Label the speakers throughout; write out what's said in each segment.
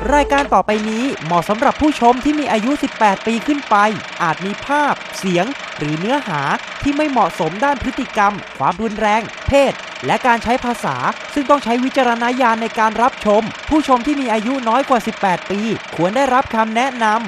Speaker 1: รายการต่อไปนี้เหมาะสำหรับผู้ชมที่มีอายุ 18 ปีขึ้นไปอาจมีภาพเสียงหรือเนื้อหาที่ไม่เหมาะสมด้านพฤติกรรมความรุนแรงเพศและการใช้ภาษาซึ่งต้องใช้วิจารณญาณในการรับชมผู้ชมที่มีอายุน้อยกว่า 18 ปีควรได้รับคำแนะนำ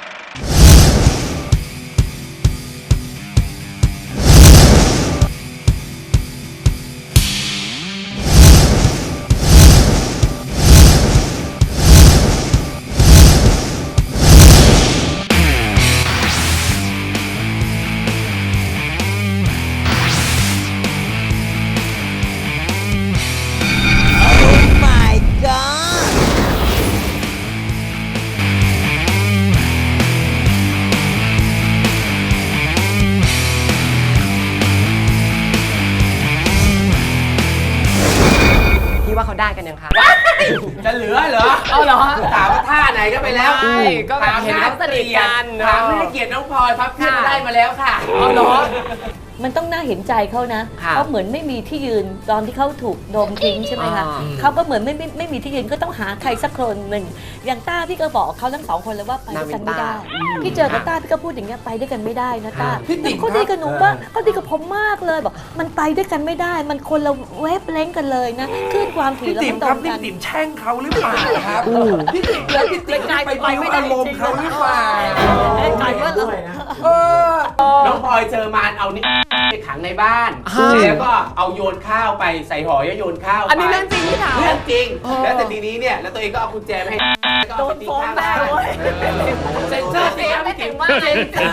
Speaker 2: เขาได้กันยังคะ
Speaker 3: จะเหลือเหรอ
Speaker 2: เอาเหรอ
Speaker 3: ถามว่าท่าไหนก็ไปแล้ว
Speaker 2: ใช่ก็แบบเห็นเขาสนิทกัน
Speaker 3: ถามไม่ได้เกียรติน้องพลอยพับเพียบได้มาแล้วค่ะ
Speaker 2: เอาเหรอ
Speaker 4: มันต้องน่าเห็นใจเขานะ
Speaker 2: ค่ะ
Speaker 4: เขาเหมือนไม่มีที่ยืนตอนที่เขาถูกโดมทิ้งใช่ไหมคะ
Speaker 2: อ่า
Speaker 4: เขาก็เหมือนไม่มีที่ยืนก็ต้องหาใครสักคนหนึ่งอย่างต้าพี่ก็บอกเขาทั้งสองคนเลยว่าไปด้วยกันไม่ได้พี่เจอกับต้าพี่ก็พูดอย่างเงี้ยไปด้วยกันไม่ได้นะต้า
Speaker 3: พี่ติ๋ม
Speaker 4: เขาดีกับหนูมากเขาดีกับผมมากเลยบอกมันไปด้วยกันไม่ได้ มันคนละเวฟเล้งกันเลยนะคลื่นความถี่
Speaker 3: พี่
Speaker 4: เรา
Speaker 3: ติ๋ม
Speaker 4: ไม่ต
Speaker 3: ค
Speaker 4: ร
Speaker 3: รับ
Speaker 4: ง
Speaker 3: นี่
Speaker 4: กัน
Speaker 3: ติ๋มแช่งเขาหรือเปล่าครับพี่ติ๋มแล้วพี่ติ๋มไปไม่ได้อารมณ์เขาหรือเปล่า
Speaker 4: กลายว่าเรา
Speaker 3: น้องพลอยเจอมารเอานี่ไปขังในบ้านแล้วก็เอาโยนข้าวไปใส่ห่อแล้วโยนข้าวไป
Speaker 2: อันนี้เรื่องจริงที่ถาม
Speaker 3: เรื่องจริงแล้วแต่ทีนี้เนี่ยแล้วตัวเองก็เอากุญแจไปให้ก็เอาไปตีข้างบ้านเซ็นเซอร์สิครับพี่ติ๋มว่าเซ็นเซอร์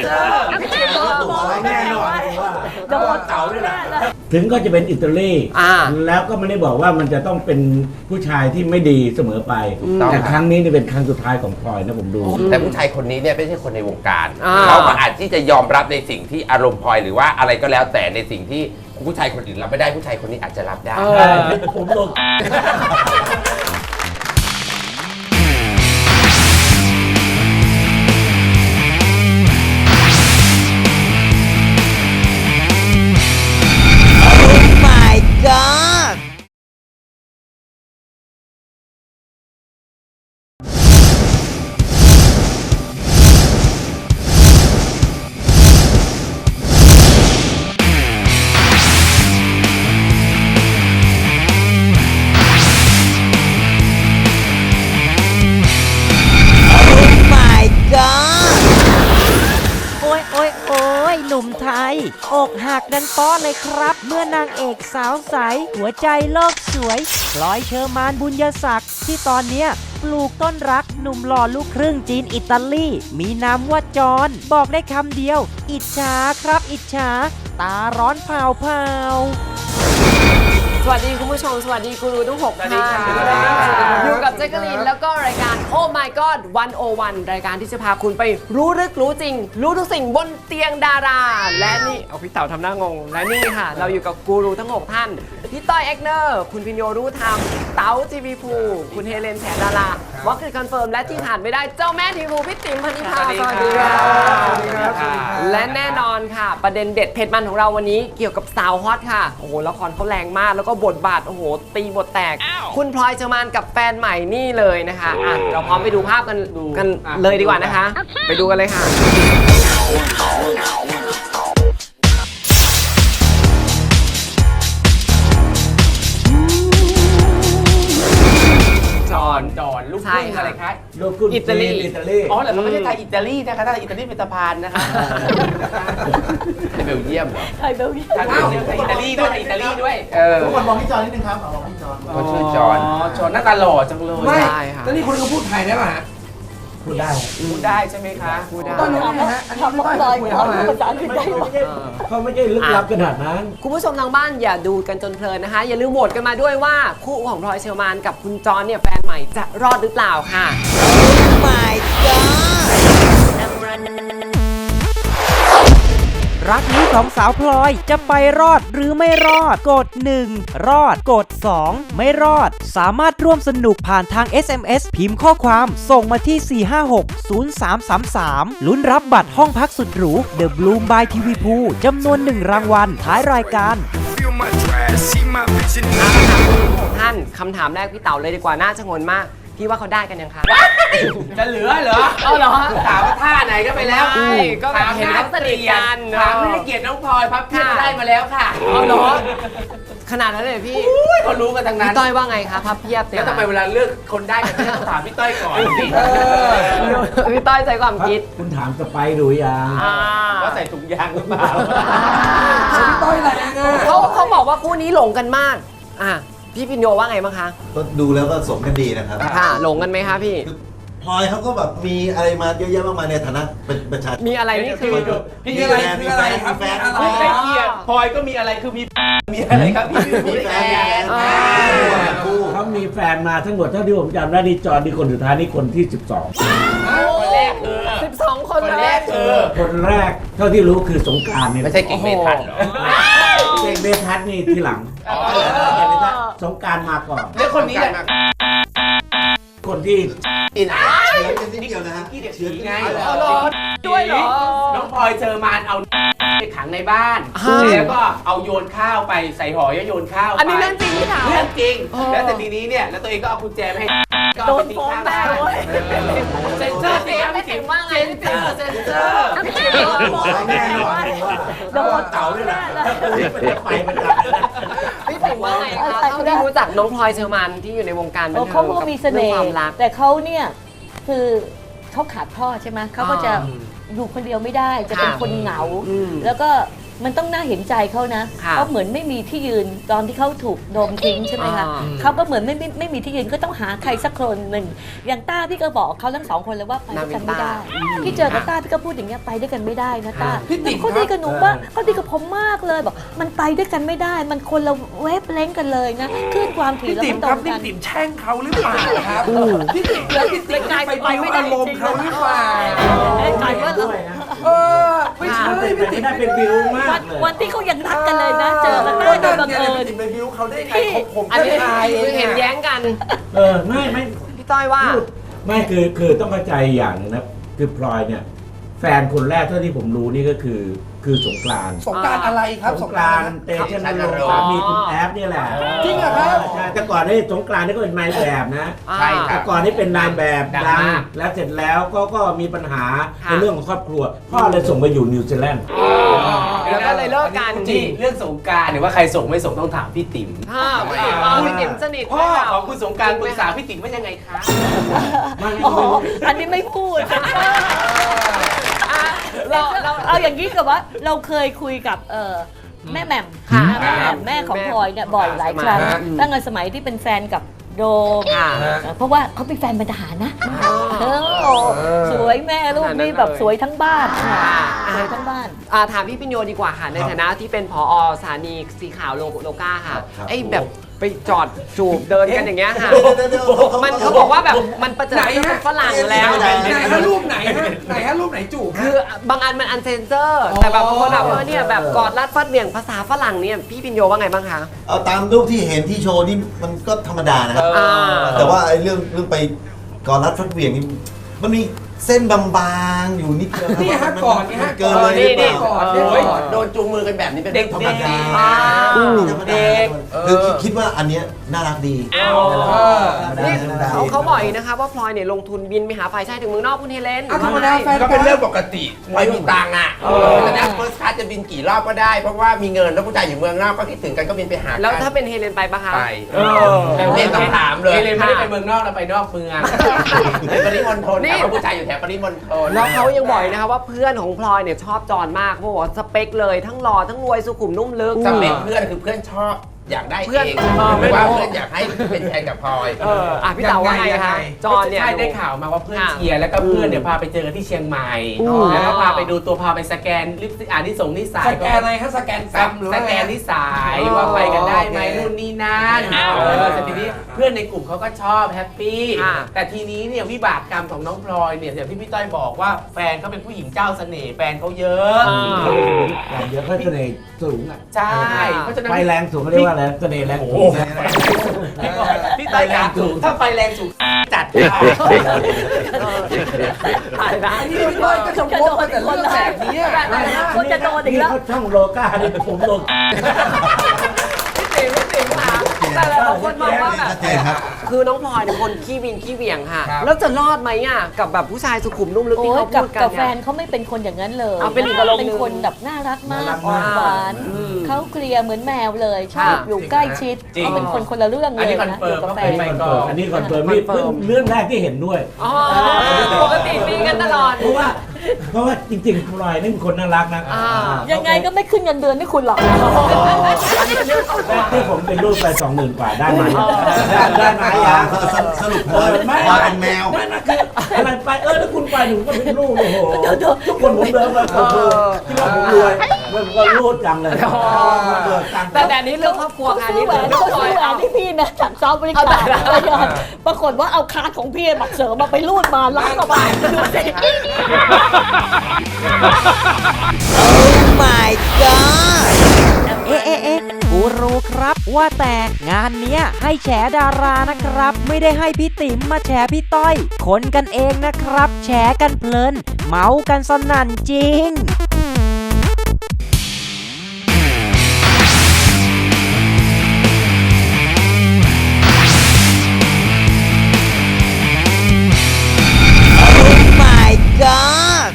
Speaker 3: แน่นอนว่าโดนเต่าด้วยนะ
Speaker 5: ถึงก็จะเป็นอิตาลี แล้วก็ไม่ได้บอกว่ามันจะต้องเป็นผู้ชายที่ไม่ดีเสมอไป แต่ครั้งนี้นี่เป็นครั้งสุดท้ายของพลอยนะผมดู
Speaker 6: แต่ผู้ชายคนนี้เนี่ยไม่ใช่คนในวงการ
Speaker 2: อ่า
Speaker 6: เขาก็อาจที่จะยอมรับในสิ่งที่อารมณ์พลอยหรือว่าอะไรก็แล้วแต่ในสิ่งที่ผู้ชายคนอื่นรับไม่ได้ผู้ชายคนนี้อาจจะรับได้
Speaker 5: ผมลง
Speaker 1: โอ้ยหนุ่มไทยอกหักดันป้อเลยครับ เมื่อนางเอกสาวใส หัวใจโลกสวยพลอยเชอร์มานบุญยศักดิ์ที่ตอนเนี้ยปลูกต้นรักหนุ่มหล่อลูกครึ่งจีนอิตาลีมีนามว่าจอนบอกได้คำเดียว อิจฉาครับอิจฉาตาร้อนเผา
Speaker 2: สวัสดีคุณผู้ชมสวัสดีกูรูทั้ง6ท่านอยู่กับแจ๊กกะลีนแล้วก็รายการ Oh My God 101 รายการที่จะพาคุณไปรู้ลึกรู้จริง รู้ทุกสิ่งบนเตียงดารา และนี่เอาพี่เต๋าทำหน้างงและนี่ค่ะ เราอยู่กับกูรูทั้ง6ท่านพี่ต้อยเอ็กเนอร์คุณพิญโยรู้ธรรมเต๋าจีบีภูคุณเฮเลนแฉดาราวอคคือคอนเฟิร์มและที่ขาดไม่ได้เจ้าแม่ทีวีพี่ติ๋มพันธิพาสวัสดีค่ะและแน่นอนค่ะ ประเด็นเด็ดเผ็ดมันของเราวันนี้เกี่ยวกับสาวฮอตค่ะโอ้โหละครเขาแรงมากแล้วก็บทบาทโอ้โหตีบทแตก คุณพลอยเชอร์มานกับแฟนใหม่นี่เลยนะคะอ่ะเราพร้อมไปดูภาพกันเลยดีกว่านะคะ ไปดูกันเลยค่ะ
Speaker 3: จอนลูกครึ่งอะไรคะ
Speaker 5: ลูกคุณ
Speaker 2: อิตาลี
Speaker 5: อิตาลี
Speaker 3: อ๋อเหรอเขาไม่ใช่ไทยอิตาลีนะคะถ้าอิตาลีเป็นสะพานนะคะ
Speaker 6: ในเบลเยียมเหรอ
Speaker 4: ไทยเบลเยียม
Speaker 3: ไทยอิตาลีด้วยไทยอิตาลีด้วย
Speaker 5: ทุกคนมองที่จอนิดนึงครับมองที่จอ
Speaker 6: เขาชื่อจอห์น
Speaker 3: จอนหน้าตาหล่อจังเลย
Speaker 2: ไม่ใช่ค่ะ
Speaker 3: แล้วนี่คุณก็พูดไทยได้ป่ะฮะ
Speaker 5: พูดได้
Speaker 3: พูดได้ใช่ไหมคะ
Speaker 2: พูดได้
Speaker 3: ต้นรู้ไหมฮะอันนี้
Speaker 4: ทำ
Speaker 3: ไม่
Speaker 4: มา
Speaker 3: ต้
Speaker 4: ล
Speaker 3: อ
Speaker 4: อย
Speaker 3: ยคุย
Speaker 4: เขา
Speaker 3: เขา
Speaker 4: ภาษาอังกฤษได้
Speaker 5: เขาไม่ใช่ลึกลับขนาดนั้น
Speaker 2: คุณผู้ชมทางบ้านอย่าดูกันจนเพลินนะคะ อย่าลืมโหวตกันมาด้วยว่าคู่ของพลอยเชอร์มานกับคุณจอนเนี่ยแฟนใหม่จะรอดหรือเปล่าค่ะ
Speaker 1: รักนี้ของสาวพลอยจะไปรอดหรือไม่รอดกด 1 รอดกด 2 ไม่รอดสามารถร่วมสนุกผ่านทาง SMS พิมพ์ข้อความส่งมาที่ 4560333 ลุ้นรับบัตรห้องพักสุดหรู The Bloom by TV Pool จำนวน 1 รางวัลท้ายรายการ
Speaker 2: ท่านคำถามแรกพี่เต๋าเลยดีกว่าน่าชงนมากพี่ว่าเขาได้กันยังคะ
Speaker 3: จะเหลือเหรอ
Speaker 2: เอาเหรอ
Speaker 3: ถามว่าท่าไหนก็ไปแล้ว
Speaker 2: ใช่ก็แบบเห็นเขาสนิทกัน
Speaker 3: ถามให้เกียรติน้องพลอยพับเพียบได้มาแล้วค่ะ
Speaker 2: เอาเหรอขนาดนั้นเลยพี่
Speaker 3: อุ้ยเขารู้กันทั้งนั้น
Speaker 2: พี่ต้อยว่าไงคะพับเพียบเนี่ย
Speaker 3: แล้วทำไมเวลาเลือกคนได้กันต้องถามพี่ต้อยก่อนสิ
Speaker 2: พี่ต้อยใจความคิด
Speaker 5: คุณถามสไปดูยัง
Speaker 3: ว่าใส่ถุงยางหรือเปล่า
Speaker 7: พี่ต้อยแรงอ่ะ
Speaker 2: เขาบอกว่าคู่นี้หลงกันมากพี่พินโยว่าไงบ้างคะ
Speaker 8: ก็ดูแล้วก็สมกันดีนะครับ
Speaker 2: ค่ะหลงกันไหมคะพี่
Speaker 8: พลอยเขาก็แบบมีอะไรมาเยอะแยะมากมายในฐานะเป็นประชาชน
Speaker 2: มีอะไรนี่คือ
Speaker 3: พี่
Speaker 8: มี
Speaker 3: อะไร
Speaker 8: แฟนมีแฟนมีแฟน
Speaker 3: ไม่ได้เกียรติพลอยก็มีอะไรคือมีอะไรครับพี่
Speaker 8: มีแฟน
Speaker 5: คู่เขามีแฟนมาทั้งหมดเท่าที่ผมจำได้นี่จอร์นี่คนสุดท้ายนี่คนที่
Speaker 3: คนแรกคือ
Speaker 2: 12 คน
Speaker 3: คน
Speaker 2: เล
Speaker 3: แร
Speaker 2: ย
Speaker 3: กคือ
Speaker 5: 12 คนแรกเท่าที่รู้คือสงกรานต์เนี่ย
Speaker 6: ไม่ใช่กิ่งเมทันเหรอ
Speaker 5: เก่งเบทัศน์นี่ทีหลังสงกรานต์มาก่อน
Speaker 3: แล้วคนนี้แหละ
Speaker 5: คนที่
Speaker 8: เชื้อกันนิดเดียวนะฮะ
Speaker 3: ที่เด็กผีไง
Speaker 2: ด้วยเหรอ
Speaker 3: น้องพลอยเจอมารเอาไปขังในบ้าน แล้วก็เอาโยนข้าวไปใส่ห่อแล้วโยนข้าวไป
Speaker 2: อันนี้เรื่องจริงที่ถาม
Speaker 3: เรื่องจริง แล้วแต่ทีนี้เนี่ยแล้วตัวเองก็เอากุญแจไปให้ก็เอาไปทิ้งข้างบ้าน
Speaker 2: เซนเซอร์สิไม่ถึงว่าไงพี่ติ๋มเซนเซอร์
Speaker 5: แน่นอนโดนเต่าด้วยนะไปมันกลับ
Speaker 2: พี่ติ๋มว่าไงคะเท่าที่รู้จักน้องพลอยเชอร์มานที่อยู่ในวงการบันเทิง
Speaker 4: เขาก็มีเสน่
Speaker 2: ค
Speaker 4: ห์
Speaker 2: วามรัก
Speaker 4: แต่เขาเนี่ยคือเขาขาดพ่อใช่ไหมเขาก็จะอยู่คนเดียวไม่ได้จะเป็นคนเหงา แล้วก็มันต้องน่าเห็นใจเขานะ
Speaker 2: ค่ะ
Speaker 4: เขาเหมือนไม่มีที่ยืนตอนที่เขาถูกโดมทิ้งใช่ไหมคะ
Speaker 2: อ่า
Speaker 4: เขาก็เหมือนไม่มีที่ยืนก็ต้องหาใครสักคนหนึ่งอย่างต้าพี่ก็บอกเขาทั้งสองคนเลยว่าไปด้วยกันไม่ได้ พี่เจอกับต้าพี่ก็พูดอย่างเงี้ยไปด้วยกันไม่ได้นะต้า
Speaker 7: พี่ติ๋ม
Speaker 4: เขาดีกับหนูมากเขาดีกับผมมากเลยบอกมันไปด้วยกันไม่ได้ มันคนละเวฟเล้งกันเลยนะคลื่นความถี่
Speaker 7: พี่
Speaker 4: แล้ว
Speaker 7: ติ๋
Speaker 4: มั
Speaker 7: ม
Speaker 4: นตร
Speaker 7: ครับ
Speaker 4: ง
Speaker 7: นี่
Speaker 4: กัน
Speaker 7: ติ๋มแช่งเขาหรือเปล่าครับพี่ติ๋มแล้วพี่ติ๋มไปบิ้วอารมณ์เขาหรือเปล่า
Speaker 4: กลายว่าเรา
Speaker 7: เออไม่ใช่พี่ติ๋ม
Speaker 5: น่าเป็นบิวมากเลย
Speaker 4: วันที่เขายังรักกันเลยนะ เจอกันได้โดยบังเอิญ
Speaker 7: พี่ติ๋มไปบิ้วเขาได้ไงผม
Speaker 2: อัน
Speaker 7: ก็
Speaker 2: นี้
Speaker 7: ทายเอ
Speaker 2: คือง เห็นแย้งกัน
Speaker 5: ไม่
Speaker 2: พี่ต้อยว่า
Speaker 5: ไม่คือต้องเข้าใจอย่างหนึงนะคือพลอยเนี่ยแฟนคนแรกเท่าที่ผมรู้นี่ก็คือสงกรานต์
Speaker 7: สงกรารอะไรครับ
Speaker 5: สงกรานต์เตชะนรงค์สามีคุณแอฟเนี่ยแหละ
Speaker 7: จริงเหรอครับ
Speaker 5: ใช่แต่ก่อนนี่สงกรานต์นี่ก็เป็นนายแบบนะ
Speaker 3: ใช่ค
Speaker 5: แต่
Speaker 3: รับ
Speaker 5: ก่อนนี่เป็นนายแบบ
Speaker 3: ดัง
Speaker 5: ดัง
Speaker 3: มาก
Speaker 5: แล้วเสร็จแล้วก็มีปัญหา
Speaker 2: ค่ะ
Speaker 5: ในเรื่องของครอบครัว พ่อเลยส่งไปอยู่นิวซีแลนด์
Speaker 2: แล้วก็เลยเลิกกัน
Speaker 3: นี่เรื่องสงกรารหรือว่าใครส่งไม่ส่งต้องถามพี่ติ๋ม
Speaker 2: พี่ติ๋มสนิท
Speaker 3: พ่อของคุณสงกรารปรึกษาพี่ติ๋มว่ายังไงคะ
Speaker 4: อ๋ออันนี้ไม่พูด เราเอาอย่างนี้กับว่าเราเคยคุยกับแม่แหม่ม
Speaker 2: ค่ะ
Speaker 4: แม่แหม่มแม่ของพลอยเนี่ยบ่อยหลายครั้ง
Speaker 2: ค่ะ
Speaker 4: ตั้งแต่สมัยที่เป็นแฟนกับโดม
Speaker 2: ค่ะ
Speaker 4: เพราะว่าเขาเป็นแฟนเป็นทหารนะสวยแม่ลูกนี่แบบสวยทั้งบ้านสวยทั้งบ้าน
Speaker 2: ถามพี่ปิญโยดีกว่าค่ะ ในฐานะที่เป็นผอสถานีสีขาวโลก้าค่ะ
Speaker 8: ครับ
Speaker 2: ไอ้แบบไปจอดจูบเดินกันอย่างเงี้ยค่ะ
Speaker 8: เดี๋ยว
Speaker 2: มันเขาบอกว่าแบบมันประเจิดเป็นฝรั่งแล้ว
Speaker 8: ไหน
Speaker 7: ไหนฮะรูปไหนฮะไหนฮะรูปไหนจูบ
Speaker 2: คือบางอันมันอันเซนเซอร์ แต่แบบบางคนแบบเนี่ยแบบกอดรัดฟัดเหวี่ยงภาษาฝรั่งเนี่ยพี่ปิญโยว่าไงบ้างคะ
Speaker 8: เอาตามรูปที่เห็นที่โชว์นี่มันก็ธรรมดานะครับ
Speaker 2: อ่า
Speaker 8: แต่ว่าไอ้เรื่องไปกอดรัดฟัดเหวี่ยงนี่มันมีเส้นบางๆอยู่นิดเดียวครับ
Speaker 7: นี่ฮะ
Speaker 8: มั
Speaker 7: ก่อนนี่ฮะ
Speaker 8: เกินเลยหรือเปล่า
Speaker 7: ก่อน
Speaker 3: โอ้ยโดนจูงมือกันแบบนี้เป็นเรื่องธรรมดา
Speaker 8: นี่ธรรมดาคือคิดว่าอันเนี้ยน่ารักดีธรรมดา
Speaker 2: นี่
Speaker 8: ธรรมดา
Speaker 2: เขาบอกอีกนะคะว่าพลอยเนี่ยลงทุนบินไปหาฝ่ายชายถึงเมืองนอกคุณเฮเลน
Speaker 7: เอาธรรมดาแฟน
Speaker 6: ก็เป็นเรื่องปกติพลอยมีตังค์อ่ะแต่นะเฟิร์สคลาสจะบินกี่รอบก็ได้ เพราะว่ามีเงินแล้วผู้ชายอยู่เมืองนอกก็คิดถึงกันก็บินไปหากัน
Speaker 2: แล้วถ้าเป็นเฮเลนไปปะคะ
Speaker 6: ไปเล่นต้องถามเลย
Speaker 3: เอเลนไม่ได้ไปเมืองนอกเราไปนอกเมือง
Speaker 6: ในปริมณฑลแต่ว่าผู้ชายอยู่แถวปริมณฑล
Speaker 2: แล้วเขายังบอกอีกนะคะว่าเพื่อนของพลอยเนี่ยชอบจอนมากเพราะว่าสเปคเลยทั้งหล่อทั้งรวยสุขุมนุ่มลึก
Speaker 6: สเปคเพื่อนคือเพื่อนชอบอยากได้
Speaker 2: เพื่อน
Speaker 6: เอง
Speaker 2: ไม่
Speaker 6: ไม่
Speaker 2: รู้
Speaker 6: ว่าเพื่อนอยากให้เป็นแฟนกับพลอย
Speaker 2: พี่เต๋าว่าไงคะจอนเนี่ย
Speaker 3: ใช่ได้ข่าวมาว่าเพื่อน
Speaker 2: ค่ะ
Speaker 3: เชียร์แล้วก็เพื่อนเดี๋ยวพาไปเจอกันที่เชียงใหม่ แล้วก็พาไปดูตัวพาไปสแกนลิปที่ส่งนิสัย
Speaker 7: สแกนอะไรฮะสแกนซ้ำหรือ
Speaker 3: ส
Speaker 7: ว่า
Speaker 3: แกนนิสัยว่าไปกันได้ไหมนู่นนี่นั่นแต่ทีนี้เพื่อนในกลุ่มเขาก็ชอบแฮปปี้แต่ทีนี้เนี่ยวิบากกรรมของน้องพลอยเนี่ยอย่างที่พี่ต้อยบอกว่าแฟนเขาเป็นผู้หญิงเจ้าเสน่ห์แฟนเขาเยอะ
Speaker 5: อย่างเดียวก็เสน่ห์สูงอ่ะ
Speaker 3: ใช่เพราะฉะนั้น
Speaker 5: ไฟแรงสูงเขาเรียกว่าอะไรเสน่ห์แรงสูงนะ
Speaker 3: พี่ต้อยครับถ้าไฟแรงสูงจัดค่ะ
Speaker 2: ถ่ายนะ
Speaker 7: นี่พี่ต้อยก็จะวกมาแต่เรื่องแบบนี้อะ
Speaker 4: คนจะโดนอีกแล้ว
Speaker 5: เขาช่องโลก้านี่ผมโล
Speaker 2: พี่ติ๋มค่ะแต่หลายคนมองว่าแบบ
Speaker 8: ชัดเจนครับ
Speaker 2: คือน้องพลอยเป็นคนขี้วินขี้เหวี่ยงค่ะ
Speaker 3: ครับ
Speaker 2: แล้วจะรอดไหมอ่ะกับแบบผู้ชายสุขุมนุ่มลึก
Speaker 4: โอ้
Speaker 2: ที่
Speaker 4: ย
Speaker 2: เขา
Speaker 4: กั
Speaker 2: พู
Speaker 4: บ
Speaker 2: ดกัน
Speaker 4: กับแฟ
Speaker 2: เนี่ย
Speaker 4: นเขาไม่เป็นคนอย่างนั้นเลย
Speaker 2: เอาเป็นอีกอารมณ์หนึ่ง
Speaker 4: เป็นคนแบบน่ารักมาก
Speaker 3: น่ารัก
Speaker 4: อ่อ
Speaker 3: มาก
Speaker 4: นหวาน เขาเคลียร์เหมือนแมวเลยชอบอยู่ใกล้ชิด
Speaker 3: จริง
Speaker 4: เขาเป็นคนคนละเรื่อง
Speaker 3: อัน
Speaker 4: เล
Speaker 3: นี้
Speaker 4: ย
Speaker 3: คอน
Speaker 4: นะ
Speaker 3: เฟิ
Speaker 4: อ
Speaker 3: ร์ม
Speaker 4: ยู่กับ
Speaker 3: ว่า
Speaker 4: แฟ
Speaker 3: เป็น
Speaker 4: น
Speaker 3: ไปก่อน
Speaker 5: อันนี้คอนเฟิร์มนี่เพิ่งเรื่องแรกที่เห็นด้วย
Speaker 2: อ๋อปกติมีกันตลอด
Speaker 5: เพราะว่าจริงๆพลอยนี่เป็นคนน่ารักนะ
Speaker 4: ยังไงก็ไม่ขึ้นเงินเดือนให้คุณหรอก
Speaker 2: อันนี้เป็นเรื่องส่วนตัว
Speaker 5: ที่ผมเป็นรูปไป20,000 กว่าได้ไหมได้ไหม
Speaker 8: อ่า
Speaker 5: ยัง
Speaker 8: สรุปพลอยพลอยเป็นแมว
Speaker 5: ไม่คืออะไรไปถ้าคุณไปหนูก็เป็นลูกโอ้โหทุกคนผมเดินไปโอ้โหที่ว่าผมรวยมันก็รูดจังเลยเบิกตังค์
Speaker 2: แต่อันนี้เรื่องครอบครัวค่ะอัน
Speaker 4: ซื้
Speaker 2: นี้
Speaker 4: อแหวน
Speaker 2: เรื่อง
Speaker 4: เขา
Speaker 2: พลอ
Speaker 4: ซื้
Speaker 2: ย
Speaker 4: อแหวนให้พี่นะจากซอฟต์บริการปรากฏว่าเอาคาร์ดของพี่บัตรเสริมมาไปรูดมาล้านกว่าบาทดูสิ
Speaker 1: my god เอ๊ะกูรู้ครับว่าแต่งานเนี้ยให้แฉดารานะครับ ไม่ได้ให้พี่ติ๋มมาแฉพี่ต้อย คนกันเองนะครับ แฉกันเพลิน เมากันสนั่นจริง my god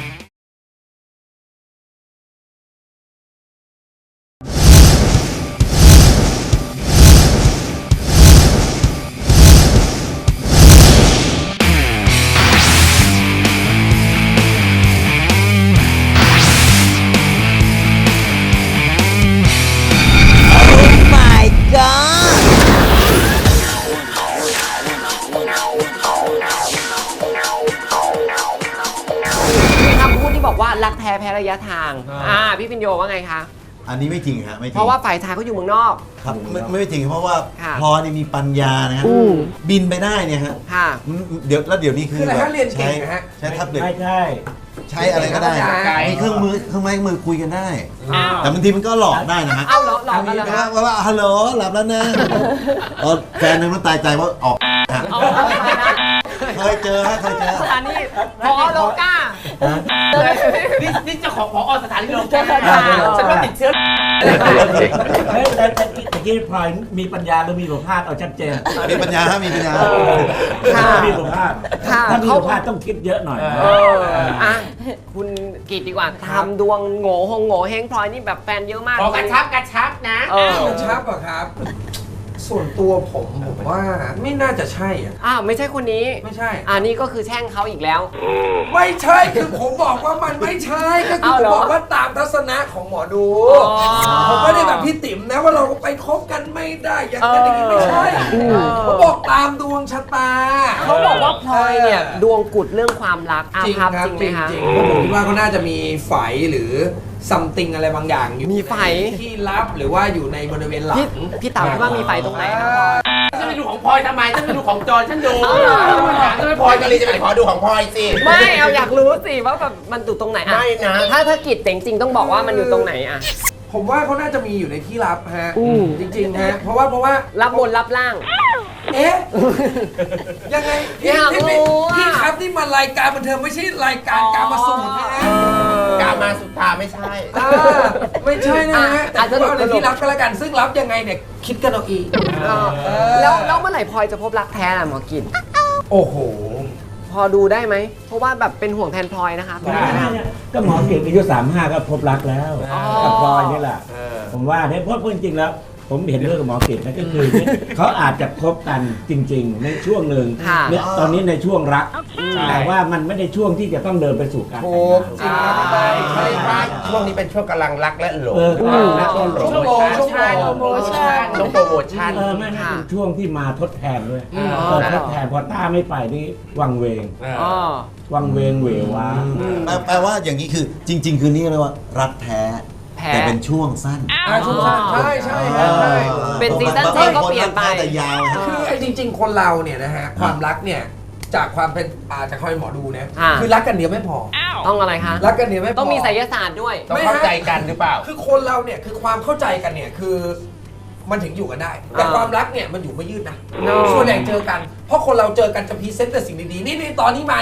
Speaker 2: มีคำพูดที่บอกว่ารักแท้แพ้ระยะทาง พี่พิญโยว่าไงคะ
Speaker 8: อันนี้ไม่จริงฮะไม่จริง
Speaker 2: เพราะว่าฝ่ายชายเขาอยู่เมืองนอก
Speaker 8: ครับไม่จริงเพราะว่า
Speaker 2: ค่ะ
Speaker 8: พลอยนี่มีปัญญานะฮะบินไปได้เนี่ยฮะ
Speaker 2: ค่ะ
Speaker 8: เดี๋ยวนี้คือ
Speaker 3: คืออะไร
Speaker 8: แบบ
Speaker 3: ฮะเรียนเก่งนะฮะ
Speaker 8: ใช้แท็บเล็ต
Speaker 5: ไม่ใช่
Speaker 8: ใช้อะไรก็ได้ มีเครื่องไม้มือคุยกันได้
Speaker 2: อ้าว
Speaker 8: แต่บางทีมันก็หลอกได้นะฮะ
Speaker 2: เอ้าเหรอหลอกกันเหรอคะ
Speaker 8: ว่าฮัลโหลหลับแล้วนะแฟนนึงมันตายใจว่าออกฮะ
Speaker 2: เอาเอาไปนะ
Speaker 8: เคยเจอฮะเคยเจอ
Speaker 2: สถานีพอโลก้า
Speaker 3: นี่เจ้าของพอสถานีโรง
Speaker 2: ใช่
Speaker 3: แรม
Speaker 2: ค่ะ
Speaker 3: ฉันว่าติดเชื้อ
Speaker 5: เฮ้ยแต่ตะกี้พลอยมีปัญญาหรือมีสุขภาพเอาชัดเจน
Speaker 8: มีปัญญาฮะมีปัญญา
Speaker 2: ค่ะ
Speaker 5: มีสุขภาพ
Speaker 2: ค่ะ
Speaker 5: ถ้ามีสุขภาพต้องคิดเยอะหน่อย
Speaker 2: อ่ะคุณกิตดีกว่าทำดวงโง่เฮงพลอยนี่แบบแฟนเยอะมาก
Speaker 3: ขอกระชับนะ
Speaker 7: กระชับอะครับ ส่วนตัวผมว่าไม่น่าจะใช่อ่ะ
Speaker 2: อ้าวไม่ใช่คนนี้
Speaker 7: ไม่ใช่
Speaker 2: นี่ก็คือแช่งเขาอีกแล้ว
Speaker 7: ไม่ใช่คือผมบอกว่ามันไม่ใช่ก็คือ
Speaker 2: เอา
Speaker 7: ผม
Speaker 2: เหรอ
Speaker 7: บอกว่าตามทัศนะของหมอดู
Speaker 2: อ๋อ
Speaker 7: ผมไม่ได้แบบพี่ติ๋มนะว่าเราไปคบกันไม่ได้อย่างนั้นอย่างนี้ไม่ใช่ผมบอกตามดวงชะตา
Speaker 2: เขาบอกว่าพลอยเนี่ยดวงกุดเรื่องความรักอา
Speaker 7: จริง
Speaker 2: ภัพ
Speaker 7: ครับ
Speaker 2: จริงไหมคะ
Speaker 7: จริงๆผมคิดว่าเขาน่าจะมีไฝหรือซัมติงอะไรบางอย่างอยู่
Speaker 2: มีไฝ
Speaker 7: ที่ลับหรือว่าอยู่ในบริเวณหลัง
Speaker 2: พี่เต๋าคิดว่ามีไฟตรงไหนครับพลอย
Speaker 3: ฉันไปดูของพลอยทำไมฉันไปดูของจอนฉันดู
Speaker 2: เอาเหรอ
Speaker 3: ฉันไม่
Speaker 6: พ
Speaker 3: พ
Speaker 6: ล
Speaker 3: ล
Speaker 6: อ
Speaker 3: อย ย
Speaker 6: ก็
Speaker 3: ก็
Speaker 6: เล
Speaker 3: เลย ย
Speaker 6: จะไปขอดูของพลอยสิ
Speaker 2: ไม่เอาอยากรู้สิว่าแบบมันอยู่ตรงไหนอะ
Speaker 6: ไม่นะ
Speaker 2: ถ้ากิจแต่จริงๆต้องบอกว่ามันอยู่ตรงไหนอะ
Speaker 7: ผมว่าเขาน่าจะมีอยู่ในที่ลับฮะจริงๆฮะเพราะว่า
Speaker 2: รับบนรับล่าง
Speaker 7: เอ๊ะยังไงพี่
Speaker 2: อยากรู้
Speaker 7: พี่
Speaker 2: อะ
Speaker 7: ครับนี่มันรายการบันเทิงไม่ใช่รายการการมาสูตรนะฮะ
Speaker 6: กามาสุตาไม่ใช่
Speaker 7: ไม่ใช่นะฮะแต่
Speaker 2: อาจจะ
Speaker 7: ว่า
Speaker 2: หลุ
Speaker 7: ใน
Speaker 2: ด
Speaker 7: ที่ลับก็แล้วกันซึ่งลับยังไงเนี่ยคิดกันเอาเอง
Speaker 2: แล้วเมื่อไหร่พลอยจะพบรักแท้ล่ะหมอกิจ
Speaker 7: โอ้โห
Speaker 2: พอดูได้ไหมเพราะว่าแบบเป็นห่วงแทนพลอยนะคะ
Speaker 5: ก็หมอเกียรติอายุ35 ก็พบรักแล้ว
Speaker 2: อ๋อ
Speaker 5: กับพลอยนี่แหละ ผมว่าเนี่ยเพราะจริงๆแล้ว ผมเห็นด้วยกับหมอเกียรตินะก็คือ เขาอาจจะคบกันจริง ๆ ในช่วงหนึ่ง
Speaker 2: ค่ะ
Speaker 5: เนี่ยตอนนี้ในช่วงรัก แต่ว่ามันไม่ได้ช่วงที่จะต้องเดินไปสู่การแต่งงาน
Speaker 6: จริงใช่ช่วงนี้เป็นช่วงกำลังรักและหลง
Speaker 5: และก็หลง
Speaker 7: ช่วงโปรโมชั่น
Speaker 6: ช่วงโปรโมชั่น
Speaker 5: ไม่เป็นช่วงที่มาทดแทนด้วยทดแทนพอต้าไม่ไปนี่วังเวง
Speaker 2: อ๋อ
Speaker 5: วังเวงเหววา
Speaker 8: แปลว่าอย่างนี้คือจริง ๆ คือนี่เรียกว่ารักแท้
Speaker 2: แพ้
Speaker 8: แต่เป็นช่วงสั้น
Speaker 7: ช่วงสั้นใช่ใช่ฮะใช่
Speaker 2: เป็นซีซั่นเจก็เปลี่ยนไป
Speaker 8: บางครักแท้แต่ยาวฮะ
Speaker 7: คือไอ้จริง ๆ คนเราเนี่ยนะฮะความรักเนี่ยจากความเป็นจากความเป็นหมอดูเนี่ย
Speaker 2: อ่า
Speaker 7: คือรักกันเดียวไม่พอ
Speaker 2: ต้องอะไรคะ
Speaker 7: รักกันเดียวไม่พอ
Speaker 2: ต้องมีไสยศาสตร์ด้วย
Speaker 6: ต้องเข้าใจกันหรือเปล่า
Speaker 7: คือคนเราเนี่ยคือความเข้าใจกันเนี่ยคือมันถึงอยู่กันได้ แต่ความรักเนี่ยมันอยู่ไม่ยืดนะ
Speaker 2: No
Speaker 7: ส่วนใหญ่เจอกัน เพราะคนเราเจอกันจะพรีเซนต์แต่สิ่งดีๆนี่ตอนนี้มานี่ช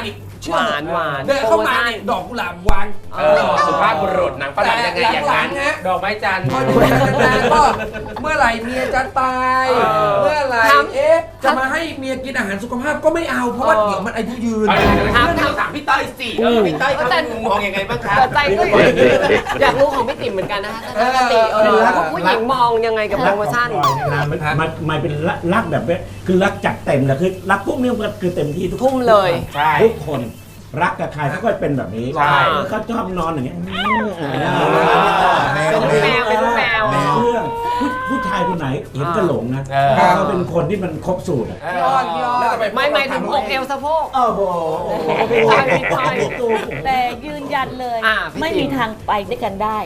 Speaker 7: ชื่อ
Speaker 2: หวาน
Speaker 7: เดินเข้ามาเนี่ยดอกกุหลาบวาง
Speaker 6: สุภาพบุรุษหนังฝรั่งยังไงอย่างนั้น
Speaker 7: หลังๆฮะ
Speaker 3: ดอกไม้จันทร์
Speaker 7: พออยู่กันนานๆก็เมื่อไหร่เมียจะตาย เมื่อไหร่จะมาให้เมียกินอาหารสุขภาพก็ไม่เอาเพราะว่าเดี๋ยวมันอายุยืน
Speaker 6: ถามพี่ต้อยสิพี่ต้อยเขามองยังไงบ้างคะ
Speaker 2: แต่ใจก็อยากรู้ของพี่ติ๋มเหมือนกันนะคะปกติผู้หญิงมองยังไงกับโปรโมชั่น
Speaker 5: มันเป็นรักแบบนี้คือรักจัดเต็มแหละคือรักพวกนี้มันคือเต็มที่ทุก
Speaker 2: ทุ่มเลย
Speaker 6: ใช่
Speaker 5: ทุกคนรักกับใครเขาก็เป็นแบบนี้
Speaker 6: ใช่
Speaker 5: เขาชอบนอนอย่างเงี้ย
Speaker 2: เป็นลูกแมวเป็นลูกแมว
Speaker 5: เรื่องผู้ชายคนไหนเห็นก็หลงนะเขาเป็นคนที่มันครบสูตรอะ
Speaker 2: ไม่ถึงอกเอวสะโพก
Speaker 5: โอ้โห
Speaker 2: ใช่ใช่
Speaker 4: แต่ยืนยันเลย
Speaker 2: พี่
Speaker 4: ไม่มีทางไปด้วยกันได้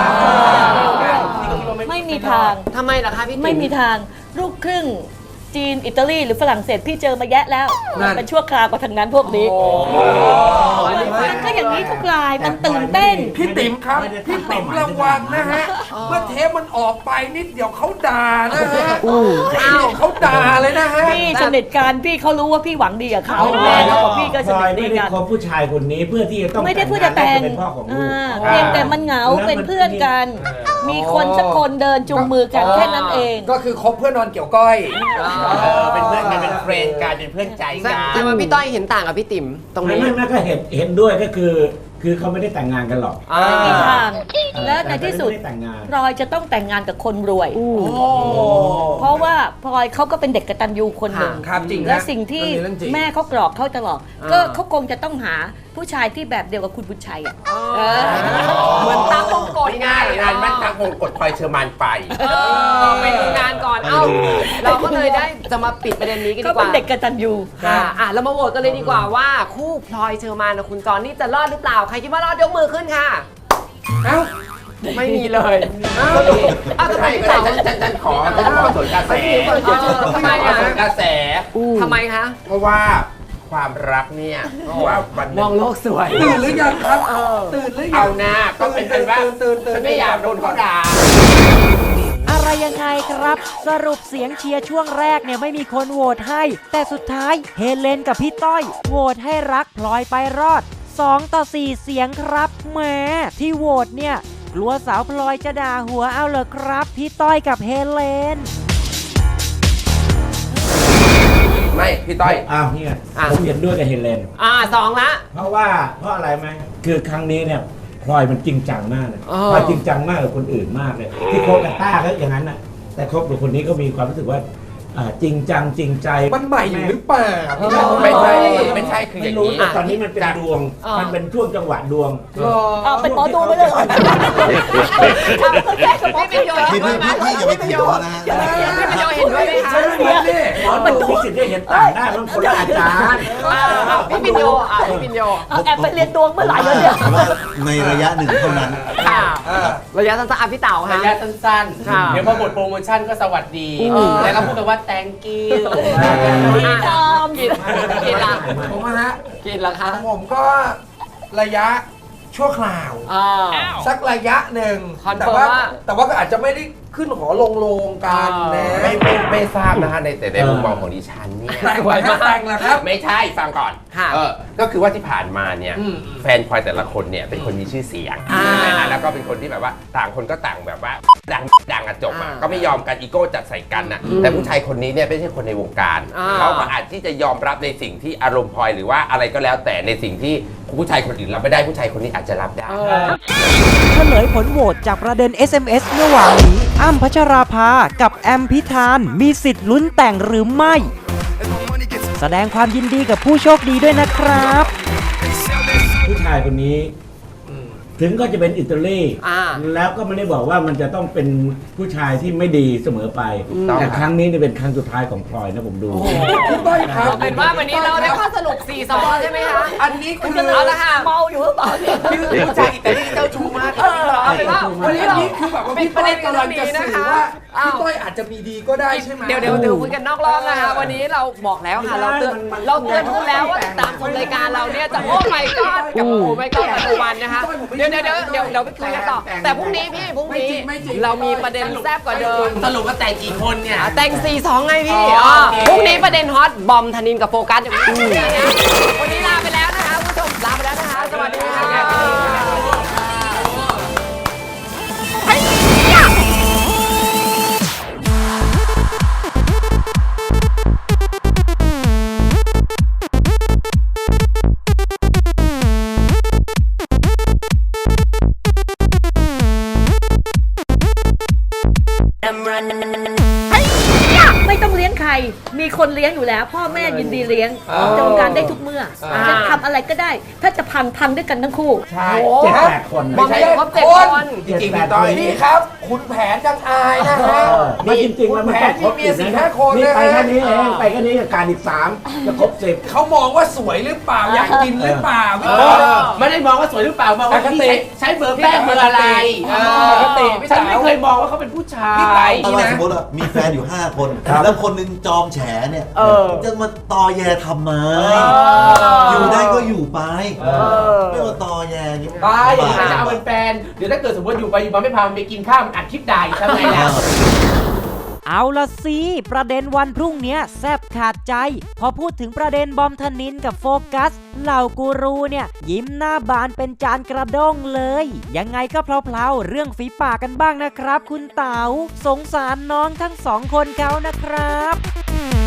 Speaker 4: ไม่มีทาง
Speaker 2: ทำไมล่ะคะพี่ติ๋ม
Speaker 4: ไม่มีทางลูกครึ่งจีนอิตาลีหรือฝรั่งเศสพี่เจอมาแยะแล้ว
Speaker 7: นั่น
Speaker 4: เป็นชั่วคราวกว่าทางนั้นพวกนี้มันก็อย่างนี้ทุกรายมันตื่นเต้น
Speaker 7: พี่ติ๋มครับพี่ติ๋มระวังนะฮะเมื่อเทปมันออกไปนิดเดี๋ยวเขาด่านะฮะเขาด่าเลยนะฮะ
Speaker 4: พี่สนิทกันพี่เขารู้ว่าพี่หวังดีกับเขาแล้วก็พี่ก็ส
Speaker 5: พลอ
Speaker 4: นิ
Speaker 5: ย
Speaker 4: ทดี
Speaker 5: ไม่ได้
Speaker 4: กัน
Speaker 5: คบผู้ชายคนนี้เพื่อที่จะต้อง
Speaker 4: ไม่ได้เพื่อจะแต่ง
Speaker 5: เป็นพ่อของลูก
Speaker 4: เพียงแต่มันเหงาเป็นเพื่อนกัน มีคนสักคนเดินจูงมือกันแค่นั้นเอง
Speaker 7: ก็คือคบเพื่อนนอนเกี่ยวก้อย
Speaker 6: เป็นเพื่อนกันเป็นเฟรนด์กันเป็นเพื่อนใจกัน
Speaker 2: แต่ว่าพี่ต้อยเห็นต่างกับพี่ติ๋มตรงนี้
Speaker 5: ไม่ก็เห็นด้วยก็คือเขาไม่ได้แต่งงานกันหรอก
Speaker 4: ไม่มีทางและในที่สุด
Speaker 5: ไม่ได้แต่งงาน
Speaker 4: พลอยจะต้องแต่งงานกับคนรวย เพราะว่าพลอยเขาก็เป็นเด็กกตัญญูคนหนึ่ง
Speaker 7: ครับจริงนะ
Speaker 4: และสิ่งที่
Speaker 7: เรื่องจริง
Speaker 4: แม่เขากรอกเขาตลอดก็เขาคงจะต้องหาผู้ชายที่แบบเดียวกับคุณบุญชัยอ่ะ
Speaker 2: เหมือนตั้งวงกฎ
Speaker 6: ง่ายๆงานมั่นทางวงกฎพลอยเชอร์มานไป
Speaker 2: ไปดูงานก่อน เอ้า เราก็เลยได้จะมาปิดประเด็นนี้กัน
Speaker 4: ก็
Speaker 2: ดีก
Speaker 4: เป็น
Speaker 2: ว่า
Speaker 4: เด็กกตัญญู
Speaker 2: ค่ะเรามาโหวตกันเลยดีกว่าว่า คู่พลอยเชอร์มานกับคุณจอนนี่จะรอดหรือเปล่า ใครคิดว่ารอดยกมือขึ้นค่ะ
Speaker 7: เอ้า
Speaker 2: ไม่มีเลยอ้าวทำไมพี่เต๋า
Speaker 6: ฉันขอสวนกระแส
Speaker 2: ทำไมอ่ะ
Speaker 6: สวนกระแส
Speaker 2: ทำไมคะ
Speaker 6: เพราะว่าความรักเนี่ยว่าวัน
Speaker 2: มองโลกสวย
Speaker 7: ตื่นหรือยังครับตื่นหรือยั
Speaker 6: เอา
Speaker 7: ง
Speaker 6: หน้าก็เป็นว่าฉันไม่อยากโดนเขาด่า
Speaker 1: อะไรยังไงครับ สรุปเสียงเชียร์ช่วงแรกเนี่ยไม่มีคนโหวตให้ แต่สุดท้ายเฮเลนกับพี่ต้อยโหวตให้รักพลอยไปรอด2-4 เสียงครับแหมที่โหวตเนี่ยกลัวสาวพลอยจะด่าหัวเอาเหรอครับพี่ต้อยกับเฮเลน
Speaker 6: ไม่พี่ต้อย
Speaker 5: อ้าวเนี่ยผมเห็นด้วยกับเฮเลน
Speaker 2: 2 ละ
Speaker 5: เพราะอะไรไหมคือครั้งนี้เนี่ยพลอยมันจริงจังมากเลย
Speaker 2: อ๋อ
Speaker 5: พลอยจริงจังมากกับคนอื่นมากเลย ที่คบกับต้าก็อย่างนั้นนะแต่คบกับคนนี้ก็มีความรู้สึกว่าจริงจังจริงใจ
Speaker 7: มันใหม่อยู่หรือเปล่า
Speaker 6: ไม่ใช่คืออ
Speaker 5: ไม่
Speaker 6: ย่าง
Speaker 5: รู้
Speaker 6: นี้
Speaker 5: แต่ตอนนี้มันเป็นดวง มันเป็นช่วงจังหวะดวง
Speaker 4: เอาเป็นหมอดูไปเลย
Speaker 2: พี่เป็นโย
Speaker 8: พี่อย่าไปผิดเขานะฮะ
Speaker 2: พี่เป็นโยเห็นด้วยไหมคะ
Speaker 5: หมอดูมีสิทธิ์ได้เห็นต่างได้มันคนละอาจารย์
Speaker 2: พี่เป็นโยพี่เป็นโย
Speaker 4: เอาแอบไปเรียนดวงเมื่อไหร่แล้วเนี่ย
Speaker 8: ในระยะหนึ่งเท่านั้น
Speaker 2: ค่ะระยะสั้นๆพี่เต๋า
Speaker 3: ระ
Speaker 2: ค่ะ
Speaker 3: ยะสั้น
Speaker 2: ค่ะ
Speaker 3: ๆ เดี๋ยวพอหมดโปรโมชั่นก็สวัสดี แล้วก็พูดกันว่า thank you
Speaker 4: พี่ทอม
Speaker 2: กินละ
Speaker 7: ผมนะฮะ
Speaker 2: กินละคะ
Speaker 7: ผมก็ระยะชั่วคราว สักระยะหนึ่ง
Speaker 2: คอนเฟิ
Speaker 7: แต่
Speaker 2: ร์ม
Speaker 7: ว่า
Speaker 2: ว่า
Speaker 7: แต่ว่าก็อาจจะไม่ได้ขึ้นหอลงโลงกันนะ
Speaker 6: ไม่ทราบนะคะในมุมมองของดิฉันเนี่ย
Speaker 7: แต่งไว้มาแต่งแล้วครับ
Speaker 6: ไม่ใช่ฟังก่อน
Speaker 2: ค่ะ
Speaker 6: ก็คือว่าที่ผ่านมาเนี่ย
Speaker 7: อืม
Speaker 6: แฟนพลอยแต่ละคนเนี่ยเป็นคนมีชื่อเสียงนะฮะแล้วก็เป็นคนที่แบบว่าต่างคนก็ต่างแบบว่าดังอะจบอะก็ไม่ยอมกันอีโก้จัดใส่กันนะแต่ผู้ชายคนนี้เนี่ยไม่ใช่คนในวงการเขาก็อาจที่จะยอมรับในสิ่งที่อารมณ์พลอยหรือว่าอะไรก็แล้วแต่ในสิ่งที่ผู้ชายคนอื่นรับไม่ได้ผู้ชายคนนี้อาจจะรับได้
Speaker 1: เฉลยผลโหวตจากประเด็น SMS เมื่อวานนี้อ้ำพัชราภากับแอมพิธานมีสิทธิ์ลุ้นแต่งหรือไม่ แสดงความยินดีกับผู้โชคดีด้วยนะครับ
Speaker 5: ผู้ชายคนนี้ ถึงก็จะเป็นอิตาลี แล้วก็ไม่ได้บอกว่ามันจะต้องเป็นผู้ชายที่ไม่ดีเสมอไป แต่ครั้งนี้เนี่ยเป็นครั้งสุดท้ายของพลอยนะผมดู
Speaker 7: พี่ต้อยครับ
Speaker 2: เป็นว่าวันนี้เราได้ข้อสรุป4-2ใช่ไหมคะ
Speaker 7: อันนี้คือ
Speaker 2: เอาละค่ะ
Speaker 4: เมาอยู่หรือเปล่าเนี่ย
Speaker 6: ผู้ชายอิตาลีเจ้าชู้มาก
Speaker 2: เอาเป็นว่าวันนี้
Speaker 7: อัน
Speaker 2: เรา
Speaker 7: นี้คือแบบว่า
Speaker 2: ปิด
Speaker 7: พี่
Speaker 2: ประ
Speaker 7: ต้อ
Speaker 2: เด็
Speaker 7: ย
Speaker 2: นกัน
Speaker 7: กำลัง
Speaker 2: นี้
Speaker 7: จะ
Speaker 2: นะ
Speaker 7: สื่อ
Speaker 2: คะ
Speaker 7: ว่า
Speaker 2: อ้าว
Speaker 7: พี่ต้อยอาจจะมีดีก็ได้ใช่ไหม
Speaker 2: เดี๋ยวคุยกันนอกรอบนะคะ วันนี้เราบอกแล้วค่ะ เราเตือนขึ้นแล้วว่าติดตามชมรายการเราเนี่ยจะโอ้ไม่กอดกับโอ้ไม่กอดปัจจุบันนะคะ เดี๋ยวไปคุยกันต่อ แต่พรุ่งนี้พี่พรุ่งนี้เรามีประเด็นแซ่บกว่าเดิม
Speaker 6: สรุปว่าแต่งกี่คนเนี่ย
Speaker 2: แต่ง 4-2 ไงพี่พรุ่งนี้ประเด็นฮอตบอมธนินกับโฟกัสอย่างนี้วันนี้ลาไปแล้วนะคะผู้ช
Speaker 4: ลี้ยงอยู่แล้ว พ่อแม่ยินดีเลี้ยงจงการได้ทุกเมื่อจะทำอะไรก็ได้ ถ้าจะพังด้วยกันทั้งคู่
Speaker 5: ใช่
Speaker 2: โอ้
Speaker 5: 7-8 คน
Speaker 2: บอมบี้ครบ7 คน
Speaker 6: จริงๆพี่ต้อย
Speaker 7: นี่ครับคุณแผนจังอายนะฮะ
Speaker 5: ไม่จริงๆแล้วมันต้องครบ
Speaker 7: แผนมีเมีย
Speaker 5: 10
Speaker 7: 4-5 คน
Speaker 5: นี่
Speaker 7: นะ
Speaker 5: ไป
Speaker 7: ฮะ
Speaker 5: แค่นี้เองไปแค่นี้กับการอีก 3 จะครบ 10
Speaker 7: เขามองว่าสวยหรือเปล่าอยากกินหรือเปล่าพี่
Speaker 3: เอ
Speaker 7: ต้อย
Speaker 3: อไม่ได้มองว่าสวยหรือเปล่ามองว่าพี่ใช้เบอร์แป้งเบอร์อะไร
Speaker 7: ปกติพี่
Speaker 3: ฉัน
Speaker 7: สาว
Speaker 3: ไม่เคยมองว่าเขาเป็นผู้ชา
Speaker 7: พี่ไต่
Speaker 3: ย
Speaker 8: ถ้าว่าสมมติว่ามีแฟนอยู่ 5 คน แล้วคนหนึงจอมแฉเนี่ย
Speaker 2: เออ
Speaker 8: จะมาตอแยทำไม อยู่ได้ก็อยู่ไป ไม่มาตอแยอย่างนี้
Speaker 3: ตายอย่างนี้จะเอาเป็นแฟนเดี๋ยวถ้าเกิดสมมติอยู่ไปอยู่มาไม่พามันไปกินข้าวมันอัดคลิปด่าอีกทำไงล่ะ
Speaker 1: เอาละสิประเด็นวันพรุ่งเนี้ยแซบขาดใจ พอพูดถึงประเด็นบอมธนินกับโฟกัสเหล่ากูรูเนี่ย ยิ้มหน้าบานเป็นจานกระด้งเลย ยังไงก็เพลาๆเรื่องฝีปากกันบ้างนะครับ คุณเต๋าสงสารน้องทั้ง 2 คนเขานะครับ